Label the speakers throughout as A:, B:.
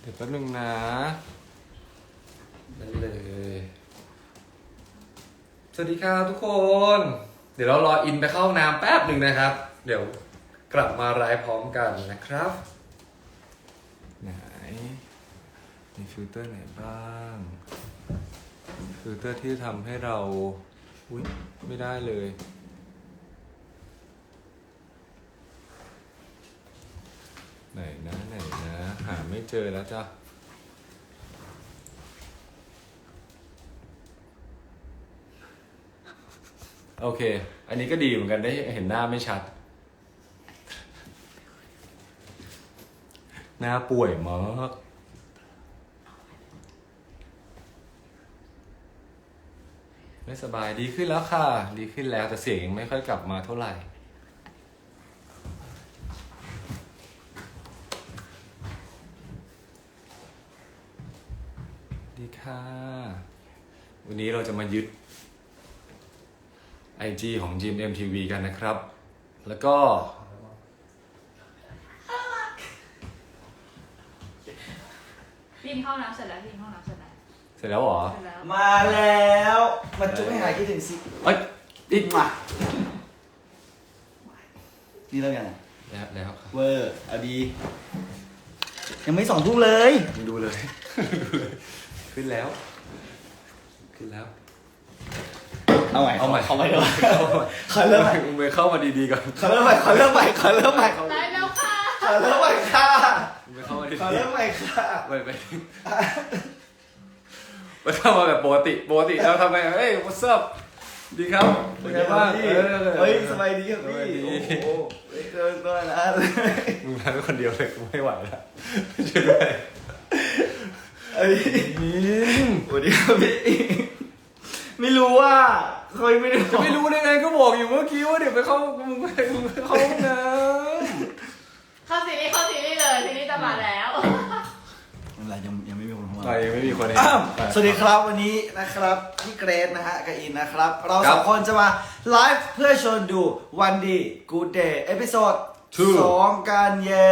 A: ดี๋ยวแป๊บนึงนะนั่นเลยสวัสดีครับทุกคน เดี๋ยวเรารออินไปเข้าห้องน้ำแป๊บหนึ่งนะครับ เดี๋ยวกลับมาไลฟ์พร้อมกันนะครับไหนมีฟิลเตอร์ไหนบ้างฟิลเตอร์ที่ทำให้เราอุ๊ยไม่ได้เลยไหนนะหาไม่เจอแล้วจ้ะโอเคอันนี้ก็ดีเหมือนกันได้เห็นหน้าไม่ชัดหน้าป่วยมากไม่สบายดีขึ้นแล้วค่ะดีขึ้นแล้วแต่เสียงยังไม่ค่อยกลับมาเท่าไหร่ดีค่ะวันนี้เราจะมายึด IG ของ GMMTV กันนะครับ แล้วก็
B: พิมพ์เข้าน้ำเสร็จแล้วพิมพ์เข้าน้ำเสร็จแล้ว
A: เสร็จแล้วเหรอ
B: เสร็จแล้ว
C: มาแล้วมาจุ๊บให้หายคิดถึงสิ
A: เอ้ยอีก
C: มานี่เริ่มยังไง
A: แล้วครับ
C: เวอร์เอาดียังไม่2 ทุ่มเลย
A: มึงดูเลย ขึ้นแล้ว
C: เอาใหม่
A: เอาใหม่
C: เดี๋ยวขอเริ่มใหม่
A: มึงไปเข้ามาดีๆก่อน
C: ขอเริ่มใหม่
B: ได้แล้วค่ะ
C: ขอเริ่มใหม่ค่ะ
A: มึงไปเข้ามาดี
C: ขอเริ่มใหม่ค่ะ
A: ๆไปเข้ามาแบบปกติแล้วทำไมเฮ้ย what's up ดีครับเป็นไงบ้าง
C: เฮ้ยสบายดีครับพี่
A: สบายดี
C: โอ้โหไม่เกินตัวนะ
A: มึงมาเป็นคนเดียวเลยกูไม่ไหวแล้วช่วยด้วย
C: เอ้ยสวัสดีครับพี่ไม่รู้ว่าเคยไม่ได้
A: จะไม่รู้ได้ไงก็บอกอยู่เมื่อกี้ว่าเดี๋ยวไปเข้ามึงไปเข้าห้องน้
B: เข้าซีรีส์เลยซีรีส์จะมาแล้ว
C: อะไรยังไม่มีคนเข้า
A: ำ
C: มา
A: ไปไม่มีคนเห็น
C: สวัสดีครับวันนี้นะครับพี่เกรซนะฮะกับอินนะครับ เรา
A: ครั
C: ส
A: บ
C: องคนจะมาไลฟ์เพื่อชวนดูวันดีกูเดย์เอพิโซด
A: Two
C: 2กันเย้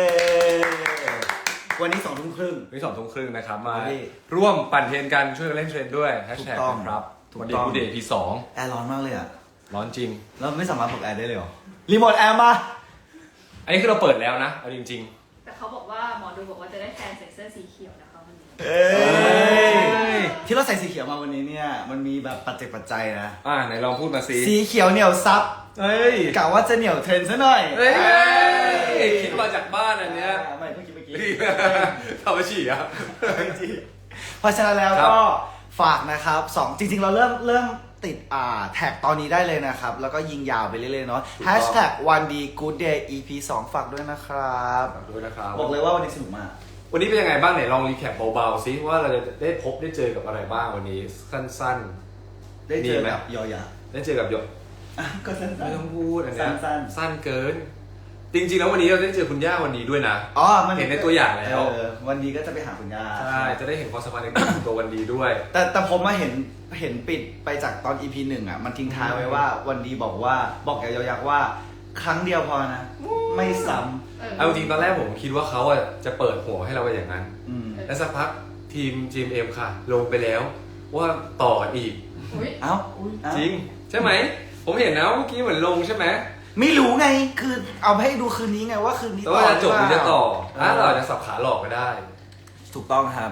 C: วันนี้2 ทุ่มครึ่ง
A: วันนี้2 ทุ่มครึ่งนะครับมา
C: วันนี้
A: ร่วมปั่นเทรนกันช่วยกันเล่นเทรนด้วยแฮชแท็ก
C: ถูกต้อง
A: นะครับ
C: ถูก
A: วันดี
C: ต้อง
A: กูเดย์พี2
C: แอร์ร้อนมากเลยอ่ะ
A: ร้อนจริง
C: เราไม่สามารถปลดแอร์ได้เลยเหรอรีโมทแอร์มา
A: อันนี้คือเราเปิดแล้วนะเอาจริง
B: แต่เขาบอกว่าหมอดูบอกว่าจะได้แทนใส่เสื้อสีเขียวนะคะวันนี้
C: เอ้ย
A: ย
C: ที่เราใส่สีเขียวมาวันนี้เนี่ยมันมีแบบปัจจัยนะ
A: ไหนลองพูดมาสิ
C: สีเขียวเหนียวซับ
A: เฮ้ย
C: กะว่าจะเหนียวเทรนซะหน่อย
A: เฮ้ยคิดมาจากบ้านอันเนี้ย
C: ไม่เพิ่งคิดเมื่อกี้
A: ทำมาฉี่อ่ะ
C: เพราะฉะนั้นแล้ว
A: ครับ
C: ก็ฝากนะครับจริงๆเราเริ่มติดแท็กตอนนี้ได้เลยนะครับ แล้วก็ยิงยาวไปเรื่อยๆเนาะ Hashtag วันดี Good Day EP 2 ฝากด้วยนะครับ
A: ฝากด้วยนะครับ
C: บอกเลยว่าวันนี้สนุกมาก
A: วันนี้เป็นยังไงบ้างเนี่ยลองรีแคปเบาๆซิว่าเราจะได้พบได้เจอกับอะไรบ้างวันนี้สั้น
C: ได้เจอ
A: มีไหม
C: กับยอยา
A: ๆได้เจอกับหยก
C: ก็สั้น
A: ไม่ต้องพูดอันเนี้ย
C: สั้น
A: สั้นเกิน จริงๆแล้ววันนี้เราได้เจอคุณย่าวันนี้ด้วยนะ
C: ๆอ๋อมัน
A: เห็นในตัวอย่างแล้ว
C: วันนี้ก็จะไปหาคุณย่า
A: ใช่จะได้เห็นความสัมพันธ์ในตัววันดีด้วย
C: แต่ผมมาเห็นปิดไปจากตอน EP 1อ่ะมันทิ้งท้ายไว้ว่าวันดีบอกกับยอยักษ์ว่าครั้งเดียวพอนะ ไม่ซ้ำ
A: เอาจริงๆตอนแรกผมคิดว่าเขาจะเปิดหัวให้เราไปอย่างนั้น
C: อืม
A: แล้วสักพักทีม GMM ค่ะ ลงไปแล้วว่าต่ออีก
B: อุ้ย
C: เอ้า
A: จริง ใช่ไหม ผมเห็นนะเมื่อกี้เหมือนลงใช่ไหม
C: ไม่รู้ไงคือเอาให้ดูคืนนี้ไงว่าคืนนี้
A: แต่ว่าจะจบหรือจะต่อ
C: หรือเปล่า
A: เราอาจจะสับขาหลอกก็ได้
C: ถูกต้องครับ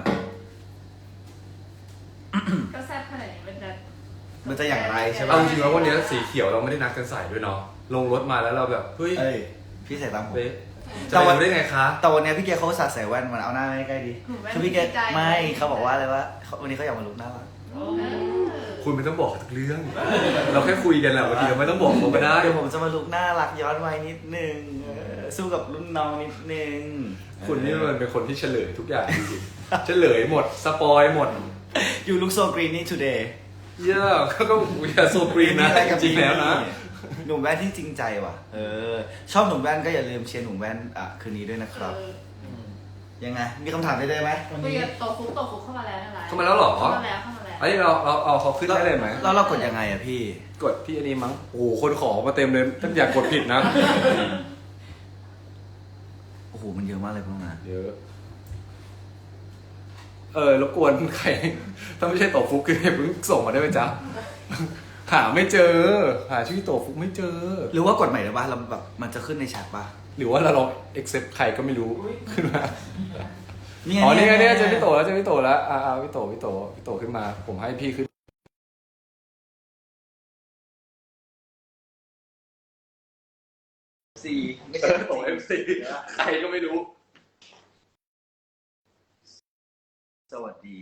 B: ก็แซ่บขนาดนี้
C: มันจะอย่างไรใช่ปะ
A: เอาจริงๆแล้ววันนี้สีเขียวเราไม่ได้นัดกันใส่ด้วยเนาะลงรถมาแล้วเราแบบเฮ้ย
C: เอ้ยพี่ใส่ตามผม
A: เป๊ะจะไปรู้ได้ไงคะ
C: แต่วันนี้พี่เกเขาอุตสาห์ใส่แว่นมันเอาหน้าไม่ใกล้ดีคือพี่เกไม่เขาบอกว่าอะไรว่าวันนี้เขาอยากมาลุกหน้ารัก
A: คุณไม่ต้องบอกทุกเรื่อง เราแค่คุยกันแหละบางทีเราไม่ต้องบอกเขาก็ได้
C: เดี๋ยวผมจะมาลุกหน้ารักย้อนวัยนิดนึงสู้กับรุ่นน้องนิดนึง
A: คุณนี่มันเป็นคนที่เฉลยทุกอย่างจริงๆเฉลยหมดสปอยหมด
C: You look so greeny today
A: เยอะก็อย่าโซกรีนนะจริงๆแล้วนะ
C: หนุ่มแว่นที่จริงใจว่ะชอบหนุ่มแว่นก็อย่าลืมเชียร์หนุ่มแว่นคืนนี้ด้วยนะครับยังไงมีคำถามได้ไหมวัน
B: คุย
C: นี้
B: กับโตฟุกเข้ามาแล้วนะ
A: เข้ามาแล้วเหรอ
B: เข้ามาแล้ว
A: อันนี้เราเอาเขาขึ้นได้เลยไหม
C: แล้วเรากดยังไงอะพี่
A: กดที่อันนี้มั้งโอ้โหคนขอมาเต็มเลยท่านอยากกดผิดนะ
C: โอ้โหมันเยอะมากเลยพวกนั้น
A: เยอะรบกวนใคร ถ้าไม่ใช่โตฟุกคือเพิ่งส่งมาได้ไหมจ๊ะ หาไม่เจอ หาชื่อโตฟุกไม่เจอ
C: หรือว่ากดใหม่ได้ป่ะเราแบบมันจะขึ้นในแชทป่ะ
A: หรือว่าเราลอง accept ใครก็ไม่รู้ขึ้นมา
C: นี่
A: อ๋อนี่ไงเนี่ยเจอพี่โตแล้วพี่โตขึ้นมา ผมให้พี่ขึ้นไม่ใช่โต MC ใครก็ไม่รู้
C: สวัสดี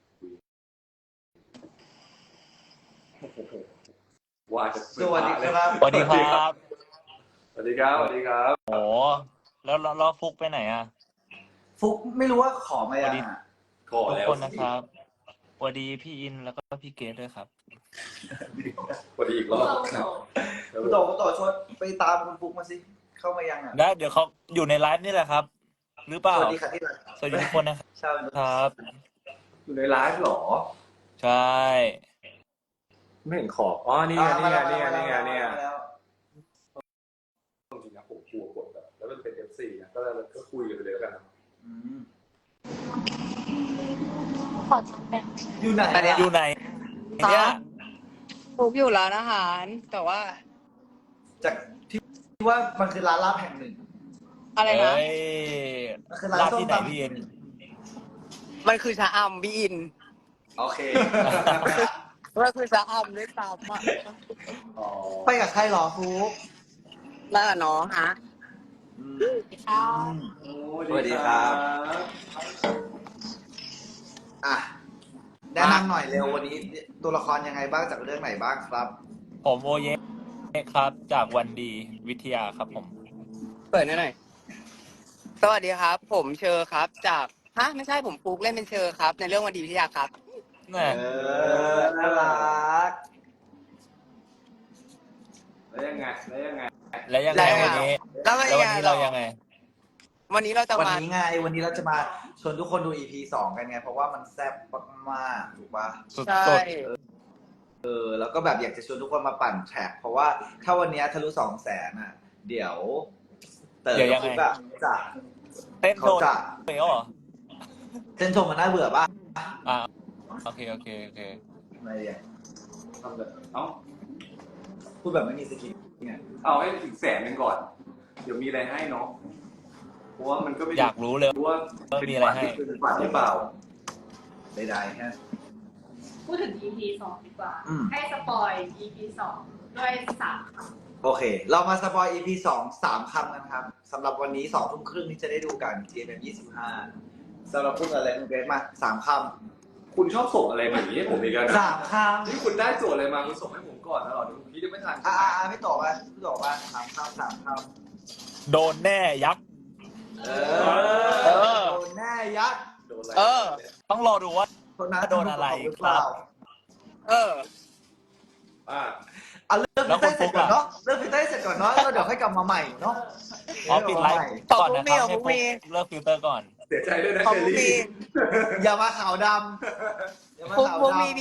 A: ว่าจะ
C: สวัสดีครับ
D: สวัสดีครับ
A: สวัสดีครับ สวัสดีครับ
D: โอ้แล้วฟุกไปไหนอ่ะ
C: ฟุกไม่รู้ว่าขอมายังอะ
A: ขอ
D: ทุก
A: แล้ว
D: คนนะครับสวัสดีพี่อินแล้วก็พี่เกดด้วยครับ
A: สวัสดีอีกรอบ
C: คุณโตชดไปตามคุณฟุกมาสิ เข้ามายังอ่ะ
D: ได้เดี๋ยวเขาอยู่ในไลฟ์นี่แหละครับ หรือเปล่า
C: สวัสดีค่ะที่รัก
D: สวัสดีทุกคนนะครับ
C: ใช่
D: ครับ
A: อยู่ในไลฟ์เหรอ
D: ใช่
A: ไม่เห็นขอบอ๋อนี่ไงนี่ไงนี่ไงนี่ไงนี่ไง
C: มาแล้ว
A: จริงๆนะผมกลัวกดแบบแล้วมันเป็น FC นะก็คุยกันไปเลยแล้วกันนะ
C: อืม
E: ขอทำแบบ
C: อยู่ไหน
D: อยู่ไหนเนี่ย
E: ฟุกอยู่ร้านอาหาร แต่ว่า
C: จากที่ว่ามันคือร้านลาบแห่งหนึ่ง
E: อะไรนะ
D: เอ้ย
C: มันคือร้าน
D: ร้าน
C: ส้ม
D: ที่ไหน
C: ตำ
D: พี่อิน
E: มันคือชะอำพี่อิน
C: โอเค
E: มันคือชะอำด้วยซ้ำอ่ะ
A: อ๋อ
C: ไปกับใครหรอฟุก
E: น่าเนาะฮะ
C: อืม
E: ค่ะ
C: สวัสดีครับ อ่ะแนะนำหน่อยเร็ววันนี้ตัวละครยังไงบ้างจากเรื่องไหนบ้างครับ
D: ผมโอเยครับ จากวันดีวิทยาครับผม
E: เปิดหน่อย สวัสดีครับ ผมเชอร์ครับ จากฮะไม่ใช่ผมฟุกเล่นเป็นเชอร์ครับ ในเรื่องวันดีวิทยาครับ
D: แน่
C: น่ารัก
A: แล้วยังไง
D: แล้วยังไง
E: แล้วยังไง
D: วันนี้
E: แล้ววัน
D: แล้ววัน
E: นี้
D: นี้
E: เรา
D: เรายังไง
E: วันนี้เราจะ
C: วัน
E: มา
C: นี้ไง วันนี้เราจะมาชวนทุกคนดู EP 2 กันไง เพราะว่ามันแซ่บมากๆถูกปะ
D: สุด
E: ใช่
C: แล้วก็แบบอยากจะชวนทุกคนมาปั่นแทร็กเพราะว่าถ้าวันนี้ทะลุ200,000อ่ะ เดี๋ยวเต๋อกับฟุกอะจะ
D: ๆเต้น
C: เขา
D: โดน
C: จะ
D: เปรี้ยวเหรอ
C: เส้นชมมันน่าเบื่อป่ะ
D: อ่าโอเค
C: อะไรเนี่ย
A: ทำแบบเอ้า
C: พูดแบบไม่มีสกิลเนี่ย
A: เอาให้ถึง100,000ก่อน เดี๋ยวมีอะไรให้เนาะเพราะว่ามันก็ไม่
D: อยากรู้เลย
A: รู้ว่า
D: มีอะไรให้
A: เป็นฝันหรือเปล่า
C: ใดๆฮะ
B: พูดถึง EP 2 ดีกว่า
C: อืม
B: ให้สปอย EP 2 ด้วย3 คำ
C: โอเค เรามาสปอย EP 3 คำกันครับสำหรับวันนี้2 ทุ่มครึ่งนี้จะได้ดูกัน GMM 25สำหรับพูดอะไรคุณเกรซมา3 คำ
A: คุณชอบส่งอะไรมาอย่างนี้ให้ผมอีกแล้วนะ
C: 3 คำ
A: นี่คุณได้โจทย์อะไรมาคุณส่งให้ผมก่อนนะหรอเดี๋ยวผมคิดจะไม่ทัน
C: ไม่ตอบอ่ะไม่ตอบอ่ะ3 คำ
D: โดนแน่ยักษ์
C: เอ
D: เออ
C: โดนแน่ยัด
A: โดนอะไร
E: เออ
D: ต้องรอดูว่า
C: คนนั้น
D: โดนอะไร
C: หรือเปล่า
E: เออ
A: อ่า
C: เอาเรื่องฟิลเตอร์เสร็จก่อนเนาะเรื่องฟิลเตอร์เสร็จก่อนเนาะแล้วเดี๋ยวค่อยกลับมาใหม่เนาะ
D: อ๋อปิดไลฟ์
E: ขอบ
D: ก่อน
E: คุณ
D: นะครับ
E: พี่
D: ให้
E: ขอบคุณพี่
D: ฟุกเลิกฟิลเตอร์ก่อน
A: เสียใจด้วยนะ
E: ขอบ
A: เชอ
E: คุณ
A: รี่
E: พี่
C: อย่ามาขาวดำอย่ามา
E: ฟุก
C: ขาว
E: ฟุก
C: ดำ
E: มี EP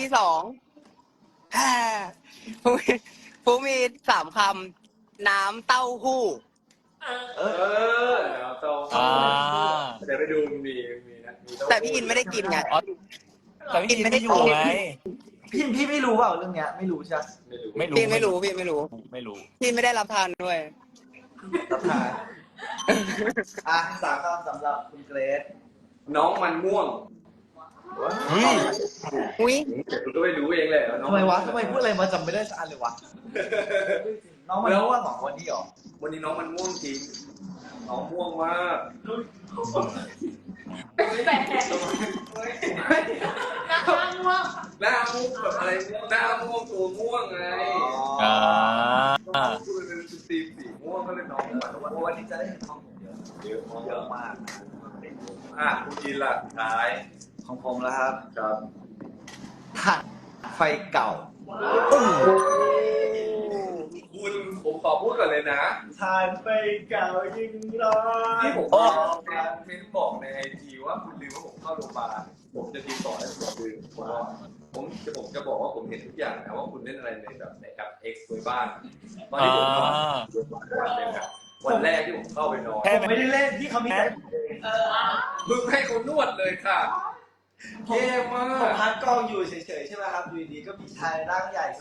E: 2ฮ่าฟุกมี3 คำ น้ำเต้าหู้
C: เอ
A: เอ
C: อ
A: อแล้วต้อง
D: อ่า
A: เดี๋ยวไปดูมีนะมี
E: แต่พี่อินไม่ได้กินไง
D: อ๋อแต่พี่อินไม่ได้อยู่ไง
C: พี่ไม่รู้เปล่าเรื่องเนี้ยไม่รู้ใช่ไหม
A: ไม่รู้
E: พี่ไม่รู้พี่ไม่รู้
D: ไม่รู้
E: พี่ไม่ได้รับทานด้วย
C: รับทานอ่ะ3 คำสำหรับคุณเกรซ
A: น้องมันม่วง
D: เฮ้ย
E: อุ้ย
A: คุณก็ไปดูเองเลยน้อง
C: ทำไมวะทำไมพูดอะไรมาจำไม่ได้สักอันเลยวะน้องมันรู้ว่าของวันนี้หรอ
A: วันนี้น้องมันม่วงจริงน้องม่วงมาก
B: แปลกหน้าม่วง
A: หน้าม่วงแบบอะไรหน้าม่วงตัวม่วงไง
D: อ่า
A: คือมันเป็นสีม่วงก็เลยน้องมันม่วง
C: วันนี้จะได้เห็นของผมเยอะ
A: เยอะ
C: เยอะมาก
A: อ่ะคุณกินล่ะท้าย
C: ของผมแล้วครับ
A: ครับ
C: ถ่านไฟเก่า
A: คุณผมขอพูดก่อนเลยนะ
C: ถ่านไฟเก่ายิ่งร้อน
A: ที่ผมบอกเม้นบอกในไอจีว่าคุณลืมว่าผมเข้าโรงพยาบาลผมจะติดต่อให้คุณลืมเพราะว่าผมจะบอกว่าผมเห็นทุกอย่างนะว่าคุณเล่นอะไรในแบบในแอป X ไว้บ้างตอนที่ผมนอนวันหนึงอะวันแรกที่ผมเข้าไปนอน
D: แค่
C: ไม่ได้เล่นที่เขามีแต่
A: มึงให้เขานวดเลยค่ะเท่มา
C: ผม
A: ก
C: พักกองอยู่เฉยๆใช่ไหมครับอยู่ดีๆก็มีชายร่างใหญ่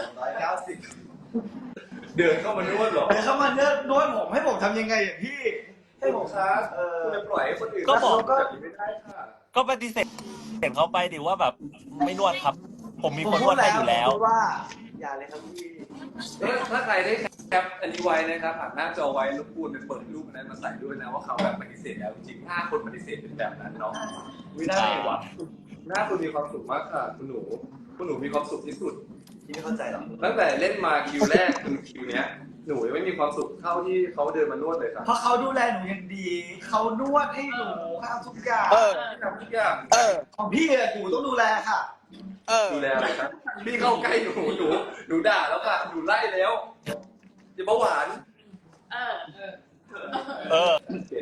C: 290
A: เดินเข้ามานวดเหรอ
C: เดินเข้ามาเนื้อนวดผมให้ผมทำยังไงอ่ะพี่ให้ผม
A: ครับ
C: เ
A: คุณจะปล่อยให้คนอื่น
D: ก็บอก
A: แบบนี้ไม่ได้ค่ะ
D: ก็ปฏิเสธเขาไปดิว่าแบบไม่นวดครับ ผมมี
C: ผม
D: คนน
C: พู
D: ว
C: ด
D: ดให้
C: แล้ว
D: อยู่แล้ว
C: ผมพูดว่าอย่าเลยครับพี่
A: ถ้าใครได้แคปอันนี้ไว้นะครับผ่านหน้าจอไว้รบกวนไปเปิดรูปนั้นมาใส่ด้วยนะว่าเขาแบบปฏิเสธแล้วจริงๆ5 คนปฏิเสธเป็นแบบนั้นเนาะไม่ได้หว่ะหน้าคุณมีความสุขมากค่ะคุณหนูมีความสุขที่สุด
C: พี่ไม่เข้าใจหรอก
A: ตั้งแต่เล่นมาคิวแรกคือคิวเนี้ยหนูยังไม่มีความสุขเท่าที่เขาเดินมานวดเลยครับ
C: เพราะเขาดูแลหนูอย่างดีเขานวดให้หนูทำทุกอย่าง
A: ทำทุกอย่าง
C: ของพี่อะหนูต้องดูแลค่ะ
A: ดูแลอะไรครับพี่เข้าใกล้หนูด่าแล้วค่ะหนูไล่แล้วจะเบาหวาน
B: เออ
D: เออ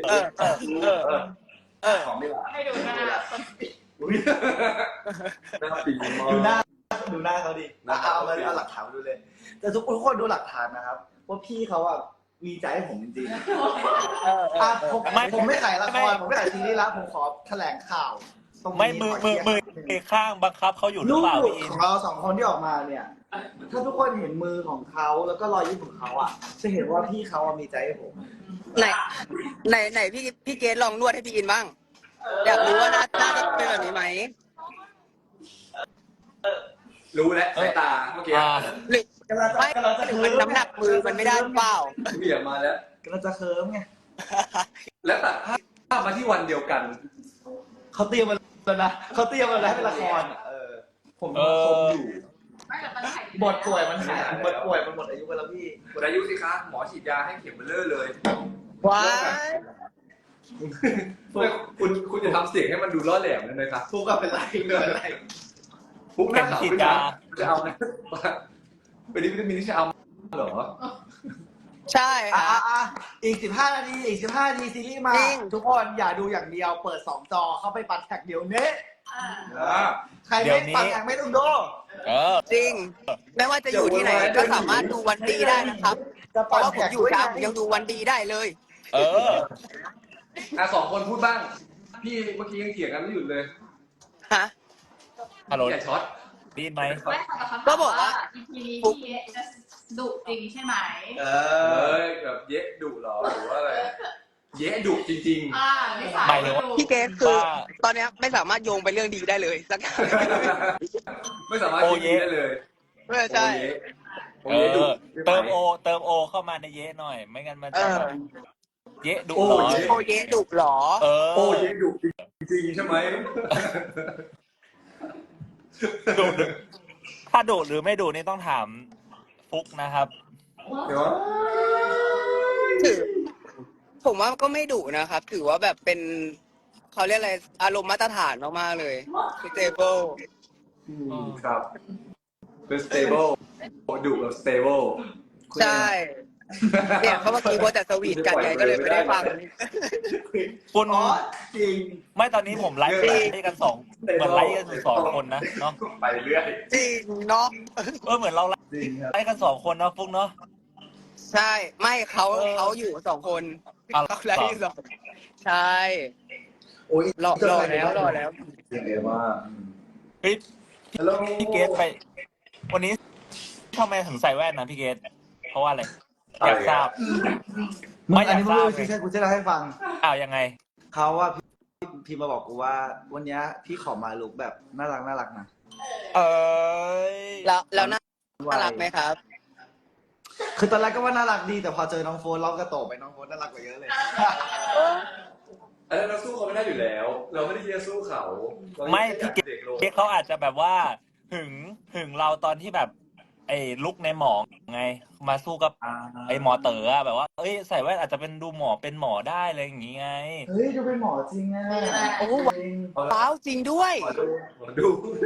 A: ของไม่หวาน
B: ให้ดูหน้า
A: อุ้ยน่าปีมาก
C: ดูหน้าเขาดิเอาหลักฐานมาดูเลย แต่ทุกคนดูหลักฐานนะครับว่าพี่เขาอะมีใจให้ผมจริงๆผมไม่ขายละครผมไม่ขายซีรีส์ละผมขอแถลงข่าวตรงนี้
D: ไม่มือข้างบังคับเขาอยู่หรือ
C: ลูก
D: เปล่าพี่อิ
C: ข
D: น
C: องเราสองคนที่ออกมาเนี่ย ถ้าทุกคนเห็นมือของเขาแล้วก็รอยยิ้มของเขาอะจะเห็นว่าพี่เขาอะมีใจให้ผม
E: ไหนพี่เกดลองนวดให้พี่อินบ้าง อยากรู้ว่าหน้าจะเป็นแบบนี้ไหม
A: รู้แล้วสายตาเมื่อกี้
E: หรือไม่หรือมันน้ำหนักมือมันไม่ได้หรือเปล่า
A: เบี่ยงมาแล้ว
C: กำลังจะเคิร์มไง
A: แล้วตัดภาพมาที่วันเดียวกัน
C: เขาเตรียมมาแล้วนะเขาเตรียมมาแล้วให้เป็นละครอะผมชมอยู่
B: ไม่แต่มันถ่าย
C: บทป่วยมันหายบทป่วยมันหมดอายุไปแล้วพี่
A: หมดอายุสิคะหมอฉีดยาให้เข็มเบลเลอร์เลย
E: ว้าย
A: คุณจะทำเสียงให้มันดูล่อแหลมเลยนะครับ
C: ทุกข์เป็นไรเกินอะไร
A: ปุ๊บหน้าขาวขึ้นมาจะเอานะเป็นวิตามินที่จะเอาเหรอ
E: ใช่ค่ะ
C: อีก15 นาทีอีก15 นาทีซีรีส์มา
E: จริง
C: ทุกคนอย่าดูอย่างเดียวเปิด2 จอเข้าไปปัดแท็กเดี๋ยวนี้ใครไม่ปัดแท็กไม่ต้องดู
E: จริง ไม่ว่าจะอยู่ที่ไหนก็สามารถดูวันดีได้นะครับ
C: จะ
E: เพ
C: ปั
E: ราะ
C: ด
E: ว่าผม
C: แท็ก
E: อยู่ช้าผมยังดูวันดีได้เลย
A: 2 คนพูดบ้าง พี่เมื่อกี้ยังเถียงกันไม่หยุดเลย
E: ฮะ
D: ฮัลโหล
A: อย่าช็อต
D: ได้ยินไหม
B: ไม่ค่ะแต่เขา
E: ก็บอกว่า
B: EP นี้พี่จะดุจริงใช่ไหม
A: แบบเยะดุเหรอหรือว่าอะไร เยะดุจริง
B: ไม่สาย
D: หมายถึงว่า
E: พี่เกดคือตอนเนี้ยไม่สามารถโยงไปเรื่องดีได้เลยสักอย่าง
A: ๆ ไม่สามารถคิดได้เลย
E: ใช่
A: โอเยะดุ
D: เติมโอเข้ามาในเยะหน่อย ไม่งั้นมันจะแบบเยะดุ
A: โอ้
D: หรอ
A: เยะ
E: โอเยดุหรอ
A: โอ้เยะดุจริงๆใช่ไหม
D: ดุถ้าดุหรือไม่ดุนี่ต้องถามฟุกนะครับ
A: เดี๋ยว
E: ถือผมว่าก็ไม่ดุนะครับ ถือว่าแบบเป็นเขาเรียกอะไรอารมณ์มาตรฐานมากๆเลย stable
A: ครับ เป็น stable ดุแบบ stable
E: ใช่เนี่ยเขาเมื่อกี้ว่าแต่สวีทกันไงก็เลยไม่ได้ฟัง
D: คุณ
C: จริง
D: ไม่ตอนนี้ผมไลฟ์กันเหมือนไลฟ์กันอยู่2 คนนะเนาะ
A: ไปเรื่อย
E: จริงเนาะ
D: เหมือนเราไล
A: จริงครับ
D: ฟ์กัน2 คนนะฟุกเนาะ
E: ใช่ไม่เขาอยู่2 คน
D: อ๋อ
E: เขาไลฟ์อยู่2ใช่
C: โอ้ย
E: รอแล้ว
A: เรียกว่า
D: เฮ้ย
A: ฮัลโหล
D: พี่เกตไป วันนี้ทำไมถึงใส่แว่นนะพี่เกตเพราะว่าอะไรอยากทราบ ไม่อยาก
C: อันนี้
D: ทราบ
C: ไม่รู้ใช่กูจะเล่าให้ฟัง
D: ยังไง
C: เขาว่าพี่มาบอกกูว่าวันนี้พี่ขอมาลุกแบบน่ารักนะ
D: เอ้ย
E: แล้วน่ารักไหมครับ
C: คือตอนแรกก็ว่าน่ารักดีแต่พอเจอน้องโฟนเราก็โตไปน้องโฟนน่ารักกว่าเยอะเลย
A: เราสู้เขาไม่ได้อยู่แล้ว เราไม่ได้ที่จะสู้เขา
D: ไม่พี่เก
A: เด็กลง
D: ตเขาอาจจะแบบว่าหึงเราตอนที่แบบ ไอ้ลุกในหมอไง มาสู้กับไอ้หมอเต๋ออะแบบว่าเอ้ยใส่แว่นอาจจะเป็นดูหมอเป็นหมอได้เลยอย่างงี้ไง
C: เฮ้ยดูเป็นหมอจริงอ่ะ
E: โอ้ว้าวจริงด้วย
A: ขอดู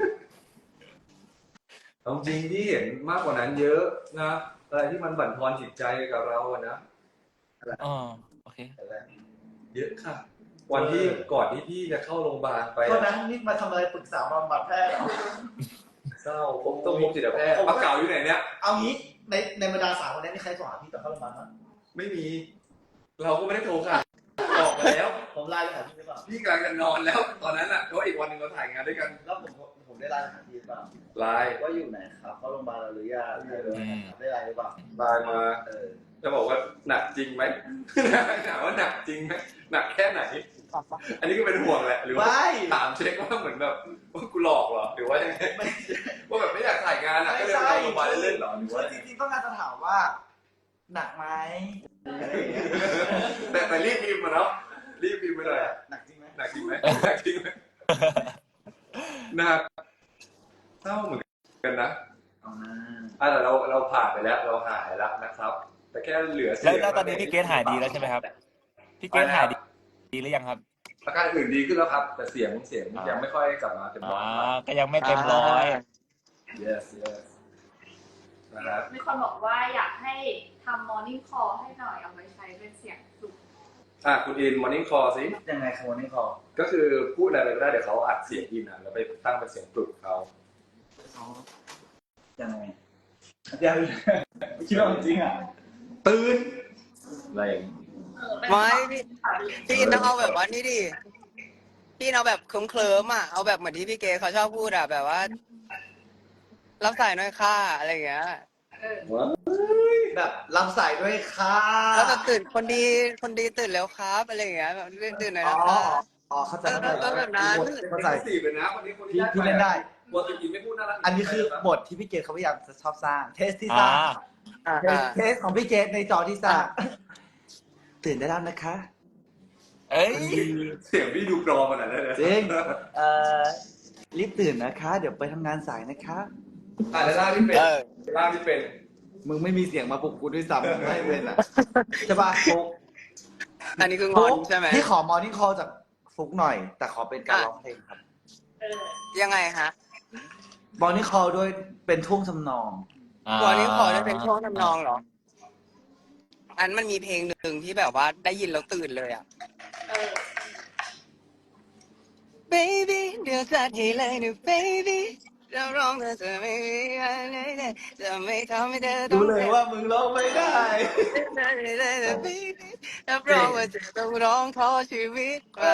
A: เอาจริงที่เห็นมากกว่านั้นเยอะนะอะไรที่มันบั่นทอนจิตใจกับเราอะนะ
D: โอเค
A: เยอะค่ะ วันที่ก่อนที่พี่จะเข้าโรงพยาบาลไป
C: ตอนนั้นนี่มาทำอะไรปรึกษาบำบัดแพทย์เหรอ
A: เศร้าผมต้องพบจิตแพทย์ปากเก่าอยู่ไหนเนี่ย
C: เอางี้ในบรรดา3 คนนี้มีใครโทรหาพี่ตอนเข้าโรงพยาบาลมั้ย
A: ไม่มี เราก็ไม่ได้โทรค่ะบอกไปแล้ว
C: ผมไลน์ไปหาพี่หรือเปล่า
A: พี่กำลังจะนอนแล้วตอนนั้นอ่ะเพราะอีกวันหนึ่งเราถ่ายงานด้วยกัน
C: แล้วผมได้ไลน์ไปหาพี่หรือเปล่า
A: ไลน์
C: ว่าอยู่ไหนครับเข้าโรงพยาบาลแล้วหรือยังได้ไลน์หรือเปล่า
A: ไลน์มา จะบอกว่าหนักจริงไหม ถามว่าหนักจริงไหมหนักแค่ไหน อันนี้ก็เป็นห่วงแหละหรือว่า
C: ไม่
A: ถามเช็คว่าเหมือนแบบว่ากูหลอกเหรอหรือว่ายังไงว่าแบบไม่อยากถ่ายงานอ่ะก็เลยไปโรงพยาบาลเล่นๆเหรอหรือ
C: คือ
A: ว่า
C: จริงๆต้องการจะถามว่า หนักไหมอะไรอย่างเงี้ย
A: แต่รีบพิมพ์มาเนาะรีบพิมพ์ไปหน่อย
C: หนักจริงไหม
A: หนักจริงไหมหนักจริงไหมหนักเศร้าเหมือนกันนะ
C: เอานะ
A: แต่เราผ่านไปแล้วเราหายแล้วนะครับ แต่แค่เหลือเสียง
D: แล้วตอนนี้พี่เกรทหายดีแล้วใช่ไหมครับพี่เกรทหายดีหรือยังครับ
A: อาการอื่นดีขึ้นแล้วครับ แต่เสียงยังไม่ค่อยกลับมาเต็มร้อย
D: ก็ยังไม่เต็มร้อย
A: yes นะครับ
B: มีคนบอกว่าอยากให้ทำ morning call ให้หน่อยเอาไว้ใช้เป็นเสียงสุข
A: คุณอิน morning call สิ
C: ยังไงครับวันนี้ขอ
A: ก็คือพูดอะไรไปก็ได้เดี๋ยวเขาอัดเสียงอินแล้วไปตั้งเป็นเสียงปลุกเขา
C: ยังไงยังคิดว่าจริงอ่ะ
A: ตื่นอะไรอย่างงี้
E: ไม่พี่อินต้องเอาแบบว่านี่ดิพี่เอาแบบเคลิ้มๆอ่ะเอาแบบเหมือนที่พี่เกเขาชอบพูดอ่ะแบบว่ารับสายหน่อยค่ะอะไรอย่างเงี้ย
C: แบบรับสายด้วยค่ะ
E: แล้วแบบตื่นคนดีตื่นแล้วครับอะไรอย่างเงี้ยแบบตื่นหน่อย
C: อ๋อ
E: นะคะ
C: อ๋อเข้าใจ
E: ก็แบบนั้น
C: เข้าใจ
A: สี่เลยนะคนนี้คน
C: พี่เล่นได้
A: บทอินไม่พูดน่ารัก
C: อันนี้คือบทที่พี่เกดเขาพยายามจะชอบสร้าง เทสที่ส
D: อ่า
C: ร้าง เทสของพี่เกดในจอที่สร้าง ตื่นได้แล้วนะคะ
D: เอ้ย
A: เสียงพี่ดูปลอมขนาดนั้นเลย
C: จริงรีบตื่นนะคะ เดี๋ยวไปทำงานสายนะคะ
A: แล้วล่าที่เป็น
E: เออ
A: ล่าที่เป็น
C: มึงไม่มีเสียงมาปลุกกูด้วยซ้ำไม่เป็นอ่ะใช่ป่ะฟุก
E: อันนี้คืองอนใช่ไหม
C: พี่ขอมอร์นิ่งคอลจากฟุกหน่อย แต่ขอเป็นการร้องเพลงครับ
E: ยังไงฮะ
C: มอร์นิ่งคอลด้วยเป็นท่วงทำนอง
E: วันนี้ขอได้เป็นช่วงทำนองเหรอ อันมันมีเพลงหนึ่งที่แบบว่าได้ยินแล้วตื่นเลยอ่ะ baby เดี๋ยวจัดให้เลยนะ baby เราร้องเธอจะไม่มีอะไรเลยจะไม่ทำให้เธอต้
C: ดู
E: อง
C: เลยว่ามึงร้องไม่ได้
E: baby รับรองว่าจะต้องร้องขอชีวิตมา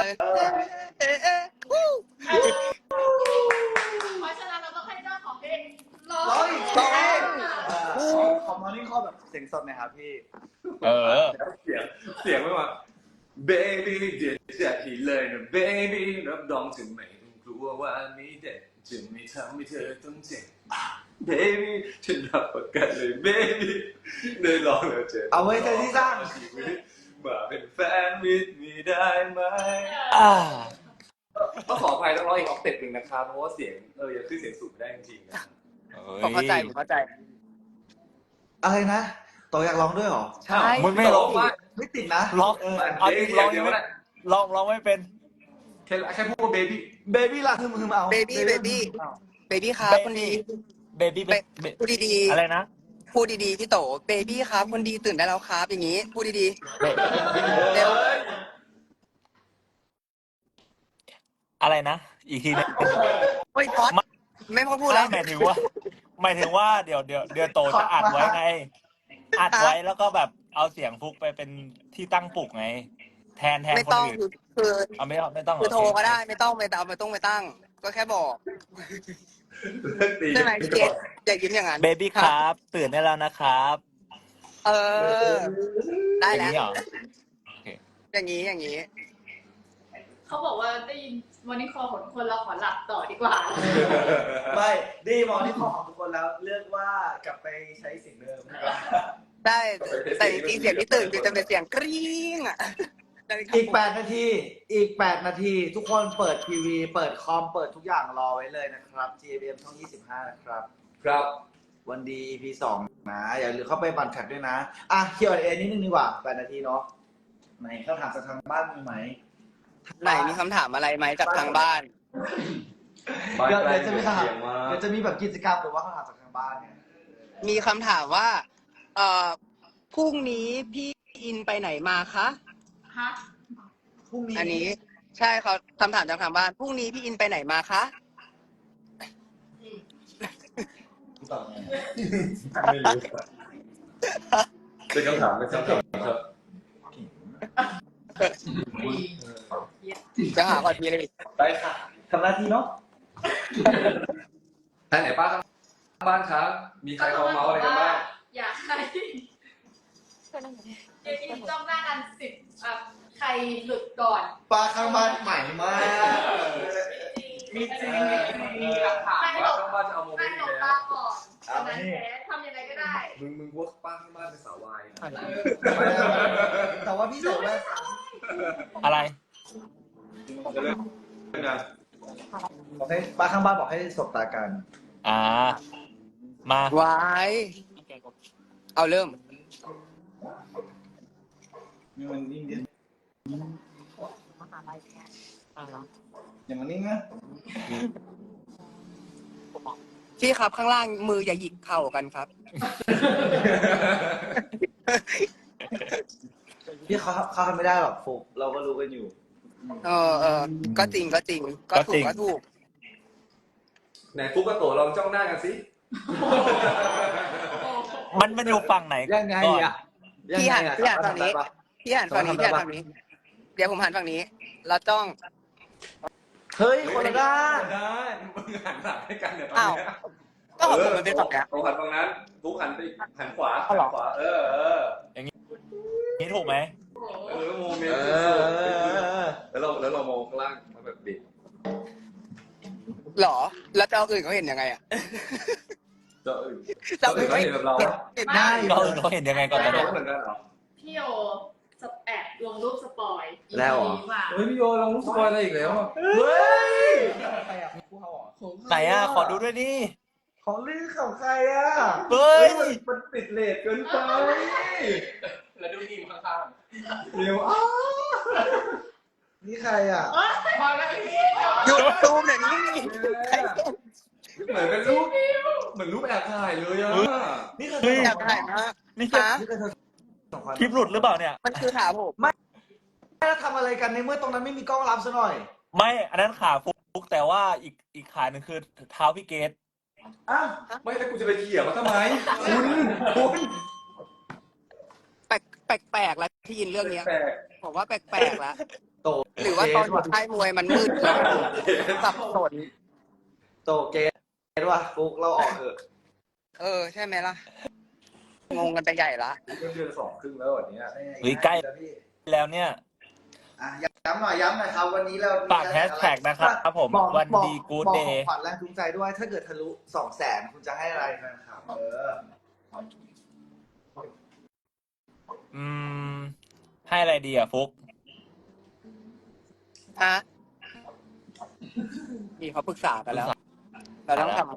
B: เพราะฉะนั้นเราต้องให้เจ้าของเพลงร้อ
C: ร้อง
B: ง
C: อีก
B: ร้
C: ร้
B: อ
C: อง
B: ง
C: ขอมอร์นิ่งคอลแบบเสียงสดหน่อยครับพี่
D: เออ
A: เสียงไม่มา baby เดี๋ยวจะอีเลยนะ baby รับรองถึงไม่ต้องกลัวว่านี้เด็ดจะไม่ทำให้เธอต้องเจ็บ baby ฉันรับประกันเลย baby ได้ลองแล้วเจ็บ
C: เอาไว้ใจที่สร้าง
A: มาเป็นแฟนมิตรมีได้ไหม
D: อ่า
A: ต้องขออภัยต้องร้องอีกออกเต็ปหนึ่งนะครับเพราะว่าเสียงยังขึ้นเสียงสูงไม่ได้จริงๆนะ
E: ผมเข้าใจผมเข้าใจ
C: อะไรนะต่ออยากร้องด้วยเหรอ
E: ใช่
D: มันไม่ร้องว่า
C: ไม่ติดนะ
D: ร้องเอาจริงร้อง
A: เดี๋
D: ยั
A: ยว
D: งไม่
A: นะ
D: ร้องไม่เป็น
A: แค่พูดว่า baby
C: เบบี้ล่ะคือมึงเอา
E: baby baby baby ครับคนดี
D: เบบี้
E: พูดดี
D: อะไรนะ
E: ๆพูดดีๆพี่โต baby ครับคนดีตื่นได้แล้วครับอย่างนี้ พูดดีๆเร็ว
D: อะไรนะ อีกทีนึง
E: เฮ้ยพอดไม่พอพูดแล้ว
D: หมายถึงว่าเดี๋ยวโตจะอัดไว้ไง อัดไว้แล้วก็แบบเอาเสียงฟุกไปเป็นที่ตั้งปลุกไง แทน
E: ไม่
D: คน
E: ต้อง
D: อื่น
E: คือ
D: เอาไม่ต้อง
E: คือโทรก็ได้ไม่ต้องไปตั้ง ก็แค่บอก ใช่ไหมพี่เกดอย่ายิ้มอย่างนั้น
D: เบบี้ครับ ตื่นได้แล้วนะครับ
E: เออ ได้
D: อย่าง
E: แล้ว
D: นี้เหรอ
E: อย่างนี้
B: เขาบอกว่าได้ยิน morning call ของคนเราขอหลับต่อดีกว่า
C: ไม่ดีมอร์นิ่งคอลของทุกคนแล้วเลือกว่ากลับไปใช้เสียงเดิมดีกว่า
E: ได้แต่จริงๆเสียงที่ตื่นคือจะเป็นเสียงกรี๊งอ่ะ
C: อีก8 นาที ทุกคนเปิดทีวี เปิดคอม เปิดทุกอย่างรอไว้เลยนะครับ GMM ช่อง 25 นะครับ
A: ครับ
C: วันดี EP 2 นะ อย่าลืมเข้าไปบันแท็กด้วยนะ อ่ะ Q&A นิดนึงดีกว่า 8 นาทีเนาะไหนคำถามจากทางบ้านมีไหม
E: ไหนมีคำถามอะไรไหมจากทางบ้าน
C: เดี๋ยวจะมีคำถาม
A: เสียงมา
C: เดี๋ยวจะมีแบบกิจกรรมหรือว่าคำถามจากทางบ้านเนี่ย
E: มีคำถามว่าพรุ่งนี้พี่อินไปไหนมาคะ
B: ฮะ
C: พรุ่งนี้
E: อันนี้ใช่เขาคำถามจากทางบ้านพรุ่งนี้พี่อินไปไหนมาคะ
C: ตอบไง
A: ไม่รู้เป็นคำถามครับ
B: ดี
E: จะหาก่อนมีอะไรอีก
C: ได้ค่ะทำหน้าที่เนาะ
A: ท่านไหนป้าข้างบ้านครับ มีใครเขาเมาส์อะไรกันบ้าง
B: อยากให้เดี๋ยวนี้จ้องหน้ากันใครหลุดก่อน
C: ปลาข้างบ้านใหม่มาก
B: มีจริง
A: มีหลักฐานว่าข้างบ้านจะเอาโมเม
B: ให้
A: นต์
B: หล
A: นี้
B: บ
A: แล้
B: ตาว ก่อนตอนนั้นแพ้ทำยังไงก็ได้
A: มึงว่าป้าข้างบ้านเป็นสาววาย
C: แต่ว่าพี่ใส่แว่น
D: อะไร
A: จะเลิกนะ
C: บอกให้ปลาข้างบ้านบอกให้สบตากัน
D: อ่า มา
E: ไว้เอาเริ่ม
C: มันนิ่งดิอย่างมันนิ่งนะ
E: พี่ครับข้างล่างมืออย่าหยิกเข่ากันครับ
C: พี่เขาทำไม่ได้หรอกฟุกเราก็รู้กันอยู่
E: ก็จริงก็จริง ก็ถูกก็ถูก
A: ไหนฟุกกับโตลองจ้องหน้ากันสิ
D: มันอยู่ฝั่งไหน
C: ยังไง
D: ก่อน
C: อ่ะ
E: พี่หันฝั่งนี้
C: ทำได้ปะ
E: พี่หันฝั่งนี้พี่หันฝั่งนี้ เดี๋ยวผมหันฝั่งนี้ แล้วจ้อง
C: เฮ้ยคนละด้าน
A: ได้มึงหันหลังให้กันเดี๋ยวตอน
E: อ้าว
A: นี้
E: ก็ของผมมันเป็นฝั่งเนี้ย
A: โตหันตรงนั้นฟุกหันไปหันขวา
E: เอาเหรอ
A: ขวา
D: นี่ถูกไหม
A: โมเมนต์แล้วเรามองข้างล่างมันแบบบิด
E: หรอ แล้วเจ้าอื่นเขาเห็นยังไงอ่ะ
A: เจ้าอื่น
E: เจ้าอื่นเขา
A: เห็
E: เห็
A: น
E: น
A: แบบเรา
E: เห็นได้
D: เขาเห็นยังไงก่อนตอน
A: เรา
D: นี้
A: เหมือนกันเหรอ
B: พี่โอแอบลงรูปสปอย
C: แล้วเหรอ
B: มา
A: เฮ้ยพี่โยเรารู้สปอยอะไรอีกแล้ว
C: เฮ้ยใครอ่ะผู้เขาเหรอ
D: ไหนอ่ะ ขอดูด้วยดิ
C: ของลื่นของใครอ่ะ
D: เฮ้ย
A: มันติดเลทเกินไป
D: แล้วดูทีมข้าง
A: เร็วอ้า
C: นี่ใครอ่ะ
B: มาแล้วพี่
E: หยุดตูมเดี๋ยวนี้
A: เหมือนเป็นรูปเหมือนรูปแอบถ่ายเลยอ่ะ
C: นี่คือ
D: เฮ้ย
E: อยากถ่ายมาก
D: นี่จะ
E: ฮะ
C: นี่คือเธอสองคน
D: คลิปหลุดหรือเปล่าเนี่ย
E: มันคือขาผม
C: แล้วทำอะไรกันในเมื่อตรงนั้นไม่มีกล้องรับซะหน่อย
D: ไม่ อันนั้นขาฟุกแต่ว่าอีกขาหนึ่งคือเท้าพี่เกต
C: อ่ะ
A: ไม่แล้วกูจะไปเขี่ยมันทำไม
E: แปลกแล้วที่ยินเรื่องเนี้ย
A: แปลก
E: ผมว่าแปลกแล้ว
C: โต
E: หรือว่าตอนอยู่ค่ายมวยมันมืดแล้วสับสน
C: โตเกตว่ะฟุกเราออกเถอะ
E: ใช่ไหมล่ะ งงกันไปใหญ่ละ
A: เดือน2 ครึ่งแล้ววันนี้
D: เฮ้ยใกล้ แล้วเนี่ย
C: อ่ะย้ำหน่อยครับ วันนี้เรา
D: ฝากแฮชแท็กนะครับผม
C: บอก
D: วันดี
C: บอก
D: กู๊ด
C: บอก
D: เด
C: ของ
D: ย์
C: ขวัญแรงจูงใจด้วย ถ้าเกิดทะลุ 200,000 คุณจะให้อะไรนะครับ
D: ให้อะไรดีอ่ะฟุก
E: ฮะนี่เขาปรึกษากันแล้ว เราต้องท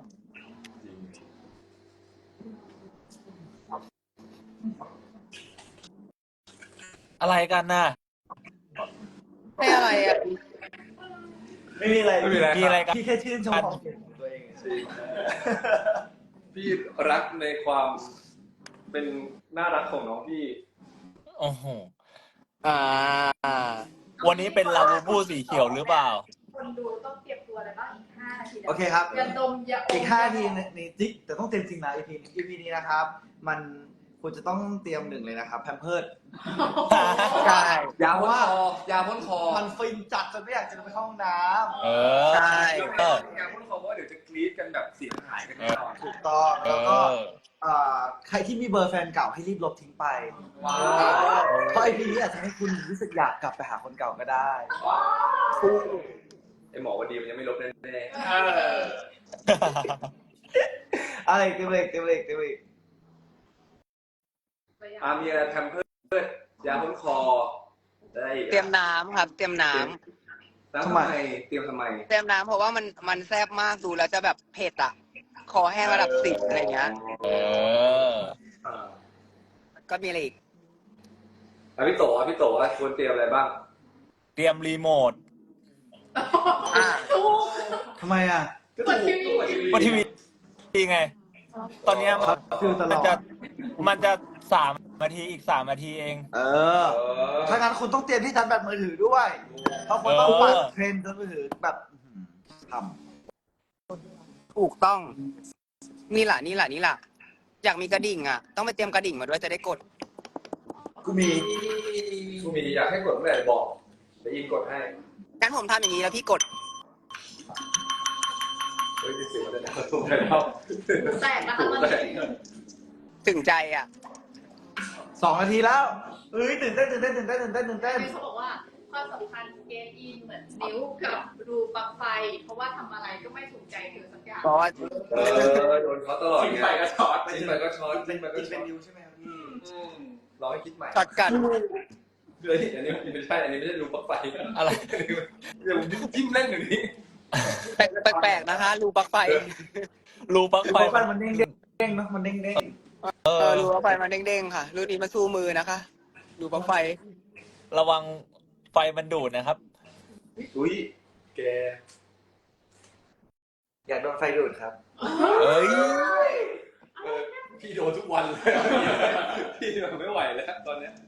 D: อะไรกันน่ะ
E: ำให้อะไรอ่ะ
C: ไม่มีอะไร
D: มีอะไรกัน
C: พี่แค่ชื่นชมความเก่งของตัวเองเฉย
A: พี่รักในความเป็นน่ารักของน้องพี่
D: โอ้โห
E: อ่า
D: วันนี้เป็นลาบูบูสีเขียวหรือเปล่า
B: คนดูต้องเตรียมตัวอะไรบ้างอีก5 นาทีนะ
C: โอเคครับ
B: ยาดมยาอม
C: อีก5 นาทีในจิ๊กแต่ต้องเต็มจริงนะ EP นี้นะครับ มันคุณจะต้องเตรียม1เลยนะครับแพมเพิร์ด
E: ใช่
A: ยาพ่นคอยาพ่นคอ
C: มันฟินจัดจนไม่อยากจะไปเข้าห้องน้
D: เออ
E: ใช่
A: ยาพ่นคอเพราะว่าเดี๋ยวจะกรี๊ดกันแบบเสียงหายกันแน่นอน
C: ำถูกต้อง
D: เอ
C: แล้วก็
D: อ
C: ใครที่มีเบอร์แฟนเก่าให้รีบลบทิ้งไป
A: ว้าว
C: เพราะ EP นี้อาจจะให้คุณรู้สึกอยากกลับไปหาคนเก่าก็ได้
A: ไอหมอวันดีมันยังไม่ลบแน่
C: อะไรเต็มเลย
A: มีอะไรแพมเพิร์ดยาพ่นคอได้อีก
E: เตรียมน้ำครับ เตรียมน้ำ
A: แล้วทำไมเตรียมทำไม
E: เตรียมน้ำเพราะว่ามันแซ่บมากดูแล้วจะแบบเผ็ดอ่ะ คอแห้งระดับ10อะไรเงี้ย
D: เออ
E: ก็มีอะไรอีก
A: พี่โตว่าควรเตรียมอะไรบ้าง
D: เตรียมรีโมท
B: ถูก
C: ทำไมอ่ะ
B: กดทีวี
D: ว่าทีวีไง ตอนเนี้ย
C: ฟิลตลอด
D: มันจะ3 นาทีอีก3 นาทีเอง
C: ถ้างั้นคุณต้องเตรียมที่ชาร์จแบตมือถือด้วย เพราะคุณต้องปัดเทรนด์มือถือแบบท
E: ถูกต้อง นี่ล่ะ อยากมีกระดิ่งอ่ะ ต้องไปเตรียมกระดิ่งมาด้วยจะได้กด
C: ำกูมี
A: อยากให้กดเมื่อไหร่บอกเดี๋ยวอินกดให้
E: งั้นผมทำอย่างนี้แล้วพี่กด
A: เฮ้ยเสียงมันจะดังถูกแล้ว
B: แตกนะคะมัน
E: ถึงใจอ่ะ
C: 2 นาทีแล้วเฮ้ยตื่นเต้น
B: ที่เขาบอกว่าความสัมพันธ์เกมอินเหมือนนิ้วกับรูปลั๊กไฟ เพราะว่าทำอะไรก็ไม่ถูกใจเธอสักอย่าง
E: เพราะว่า
A: โดนเขาตลอด
F: ทิ้ง
A: ไง
F: ไปก็ช็อต
A: ทิ้งไปก็ช็อตทิ้งไปก็
C: กิน
A: ช็
C: เป็
A: อน ต
C: นิวใช่ไหมครับพี่
A: รอให้คิดใหม่
E: ช็อตกัน
A: เฮ้ยอันนี้ไม่ใช่อันนี้ไม่ใช่รูปลั๊กไฟ
D: อะไร
A: เดี๋ยวผมจิ้มเล่นอยู่นี่
E: แปลกๆนะคะ รูปลั๊กไฟ
D: รูปลั๊กไฟ
C: ไฟมันเด้งๆเนาะมันเด้ง
E: รูปลั๊กไฟมันเด้งๆค่ะ รุ่นนี้มาสู้มือนะคะ รูปลั๊กไฟ
D: ระวังไฟมันดูดนะครับ
A: อุ้ยแก
C: ๆอยากโดนไฟดูดครับ
D: เอ้ย
A: พี่โดนทุกวันเลยพี่แบบไม่ไหวแล้วตอนเนี้ย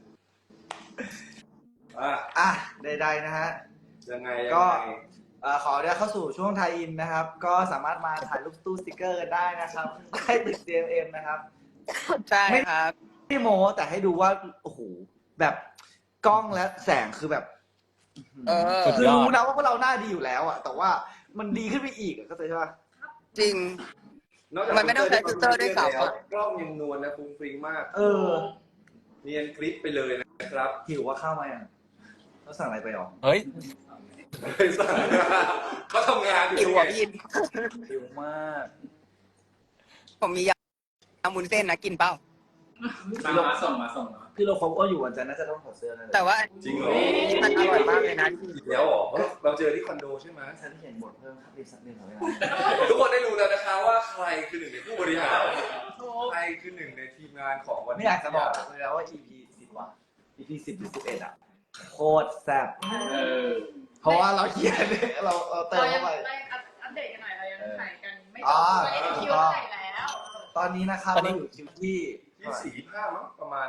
C: อ่ะใดๆนะฮะ
A: ยังไง
C: ก็ ขอเดี๋ยวเข้าสู่ช่วงไทยอินนะครับ ก็สามารถมาถ่ายรูปตู้สติกเกอร์กันได้นะครับใต้ตึก CMM นะครับ
E: ใช่ครับ
C: ไม่โม้แต่ให้ดูว่าโอ้โหแบบกล้องและแสงคือแบบ
D: สุด
C: คือย
D: อด
C: รู้นะว่าพวกเราหน้าดีอยู่แล้วอะแต่ว่ามันดีขึ้นไปอีกอะเข้าใจใช่ปะ
E: จริง มันไม่ต้องใช้ฟิลเตอร์ด้วยซ้ำอะ
A: กล้องยังนวลนะฟุ้งฟริ้งมาก เนียนคลิปไปเลยนะครับ
C: หิวว่าข้าวมายังเราสั่งอะไรไปหรอ
D: เฮ้ย
A: ไม่สั่งเขาทำงานอยู่
E: หิวอ่ะพี่
C: หิวมาก
E: ผมมียำมุนเส้นนะกินเปล่า
F: มาส่งมา
C: พี่โลคอปก็อยู่วันจันทร์น่าจะต้องถอดเสื้อนะ
E: แต่ว่า
A: จริงเหรอ
E: มันอร่อยมากเลยนะ
A: อีกแล้วเหรอเพราะเราเจอที่คอนโดใช่ไหม
C: ฉันเขียนบทเพิ่มครับรีบสักนิดหน่อยนะ
A: ทุกคนได้รู้แล้วนะคะว่าใครคือหนึ่งในผู้บริหารใครคือหนึ่งในทีมงานของวัน
C: ไม่
A: นี้
C: อยากจะบอกเลยนะว่า EP 10 ว่ะ EP 10 หรือ 11 อ่ะโคตรแซ่บเพราะว่าเราเขียนเราเติม
B: เรายั
C: เข้าง ไป
B: อัปเดตกันหน่อยเรายังถ่ายกันไม่จ
C: อ๋
B: บ
C: อ
B: เรายังคิวเท่าไหร่แล้ว
C: ตอนนี้นะครับ
D: ตอนนี้
C: เราอยู่คิวที่
A: 24-25มั้งประมาณ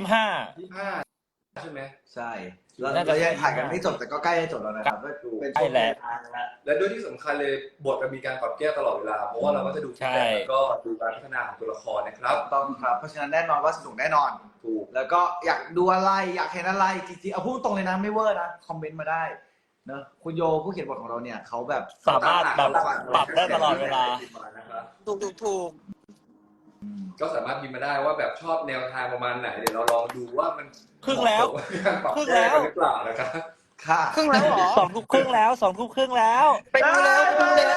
D: 25
A: 25ใช่ไหม
C: ใช่เรา
D: น่าจะ
C: ยังถ่ายกันไม่จบแต่ก็ใกล้จะจบแล้วนะครับก็เป็นช่วง
D: ใกล้แล้ว
C: ทางแล้ว
A: และด้วยที่สำคัญเลยบทมันมีการปรับแก้ตลอดเวลา เพราะว่าเราก็จะดู
D: ใช่
A: แล้วก็ดูการพัฒนาของตัวละครนะครับ
C: ต้องครับเพราะฉะนั้นแน่นอนว่าสนุกแน่นอน
A: ถูก
C: แล้วก็อยากดูอะไรอยากเห็นอะไรจริงๆเอาพูดตรงเลยนะไม่เวอร์นะคอมเมนต์มาได้เนอะคุณโยผู้เขียนบทของเราเนี่ยเขาแบบ
D: สามารถแบบปรับได้ตลอดเวลา
E: ถูก
A: ก็สามารถพิมพ์มาได้ว่าแบบชอบแนวทางประมาณไหนเดี๋ยวเราลองดูว่ามัน
D: ครึ่งแล้ว
A: การปรับแก้กันหรือเปล่านะครับ
C: ค่ะ
E: ครึ่งแล้วเหรอ
D: 2 ทุ่มครึ่งแล้ว2 ทุ่มครึ่งแล้ว
E: ไปดูเร็วไปดูเร็ว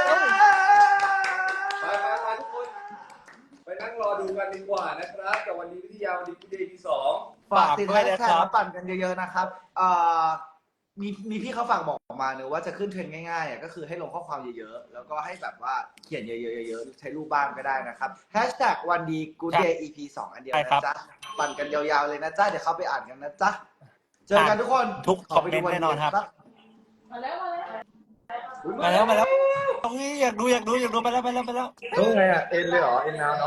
A: ไปทุกคนไปนั่งรอดูกันดีกว่านะครับกับวันนี้วิทยาวันนี้พี่เดย์ที่2
C: ฝากติด
D: ฝากด้วย
C: แฮช
D: นะ
C: แท็
D: ครั
C: ก
D: บ
C: มาปั่นกันเยอะๆนะครับมีพี่เขาฝากบอกมาเนอะว่าจะขึ้นเทรนด์ง่ายๆอ่ะก็คือให้ลงข้อความเยอะๆ แล้วก็ให้แบบว่าเขียนเยอะๆใช้รูปบ้างก็ได้นะครับแฮชแท็กวันดีกูเดย์ EP 2 อันเดียว
D: ใช่ครั
C: นะ
D: บ
C: จ๊ะปั่นกันยาวๆเลยนะจ๊ะเดี๋ยวเข้าไปอ่านกันนะจ๊ะเจอกันทุกคน
D: ทุกคอมเมนต์แน่นอนครับ
B: มาแล้ว
D: มาแล้วเฮ้ยอยากดูไปแล้ว
A: เฮ้ยไงอ่ะเอ็นเลยเหรอเอ็นแล้ว